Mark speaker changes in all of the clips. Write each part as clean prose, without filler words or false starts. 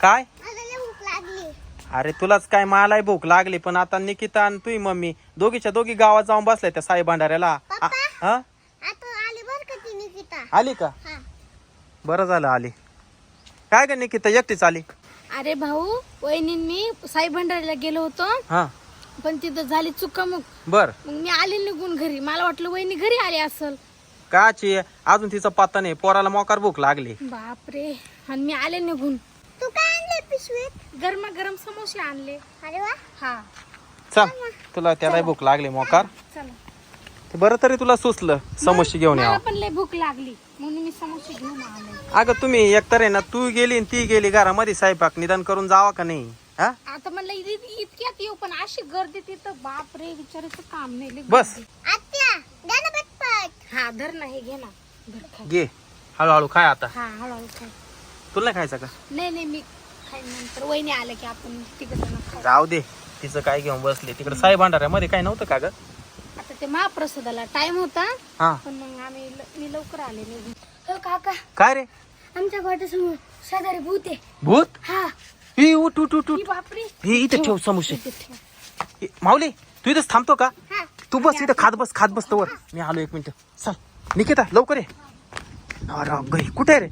Speaker 1: काय
Speaker 2: मला लय भूक लागली.
Speaker 1: अरे तुलाच काय, मलाही भूक लागली. पण आता निकिता आणि तुझी मम्मी दोघीच्या दोघी गावात जाऊन बसल्या त्या साई भांडाऱ्याला.
Speaker 2: पप्पा?
Speaker 1: हा
Speaker 2: आता आली बर का ती निकिता.
Speaker 1: आली का?
Speaker 2: हा.
Speaker 1: बरं झालं आली. काय ग निकिता एकटीच आली?
Speaker 3: अरे भाऊ, वहिनींनी साई भंडारीला गेलो होतो,
Speaker 1: हा
Speaker 3: पण तिथं झाली चुकामुक.
Speaker 1: बर
Speaker 3: मग मी आले निघून घरी. मला वाटलं वहिनी घरी आली असल.
Speaker 1: काची अजून तिचा पत्ता नाही. पोराला मोकार भूक लागली.
Speaker 3: बापरे. आणि मी आले निघून.
Speaker 2: तू काय आणले पिशवीत?
Speaker 3: गरमागरम समोसे आणले.
Speaker 2: अरे वा.
Speaker 3: हा
Speaker 1: चल तुला त्याला भूक लागली मोकार.
Speaker 3: चला.
Speaker 1: ते बरं तरी तुला सुचलं समोसे घेऊन
Speaker 3: मला
Speaker 1: यावं.
Speaker 3: पण लय भूक लागली म्हणून मी समोसे घेऊन आले.
Speaker 1: अगं तुम्ही एकतर आहे ना, तू गेली आणि ती गेली घरामध्ये स्वयंपाक निदान करून जावा का नाही? हा
Speaker 3: आता म्हणलं इतक्यात येऊ, पण अशी गर्दी तिथं बापरे, विचारायचं काम नाही. लय
Speaker 1: बस.
Speaker 3: गर्दी.
Speaker 2: आत्या द्या ना पटपट.
Speaker 3: हा धर ना, हे घे ना. धर खाय.
Speaker 1: घे हळूहळू खाय आता.
Speaker 3: हा हळूहळू खाय.
Speaker 1: तुला नाही खायचं का?
Speaker 3: नाही मी खाईन नंतर. वहिनी आलं की आपण तिकडे खाऊ.
Speaker 1: जाऊ दे, तिचं काय घेऊन बसले तिकडे साई भांडाऱ्यामध्ये. काय नव्हतं का ग?
Speaker 3: आता ते महाप्रसादाला टाइम होता,
Speaker 1: हा
Speaker 3: पण मग मी लवकर आले निघून. हो काका,
Speaker 1: काय रे?
Speaker 3: आमच्या गोट्यासमोर शेजारी भूत आहे.
Speaker 1: भूत?
Speaker 3: हा.
Speaker 1: ही उठ उठ उठ उठ.
Speaker 3: ही बापरे.
Speaker 1: ही इथे ठेव समोसे.
Speaker 3: इथे ठेव.
Speaker 1: हे, माऊली तू इथेच थांबतो का?
Speaker 2: हा.
Speaker 1: तू बस इथं खात बस तोवर. मी आलो 1 मिनिट. चल निकिता लवकर ये. अरे गई कुठे आहे रे?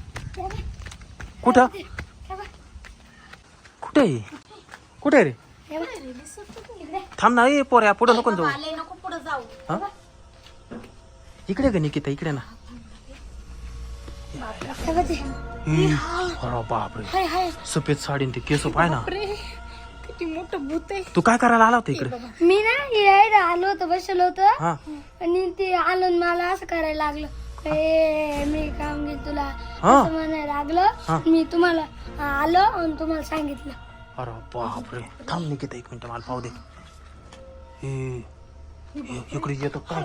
Speaker 1: कुठं कुठे आहे? कुठे आहे रे?
Speaker 3: हे बघ, दिसत नाही इकडे.
Speaker 1: थांब ना. ए पोऱ्या पुढे नको जाऊ.
Speaker 3: आले नको पुढे जाऊ.
Speaker 1: हा? इकडे ग निकिता, इकडे ना.
Speaker 3: हे बघ ते.
Speaker 1: अरे बापरे,
Speaker 3: हाय हाय.
Speaker 1: सफेद साडी ते केस पाय ना.
Speaker 3: बापरे, किती मोठं भूत आहे.
Speaker 1: तू काय करायला आला होता इकडे?
Speaker 3: मी ना यायला आलो होतो, बसलो होतो,
Speaker 1: हा
Speaker 3: आणि ते आलो आणि मला असं करायला लागलं. मी काम घेत तुला
Speaker 1: हा.
Speaker 3: असं म्हणायला लागलं.
Speaker 1: हा.
Speaker 3: मी तुम्हाला आलो आणि तुम्हाला सांगितलं.
Speaker 1: अरे बापरे, थांब निकिता 1 मिनिट मला पाहू दे. हे इकडे येतो काय?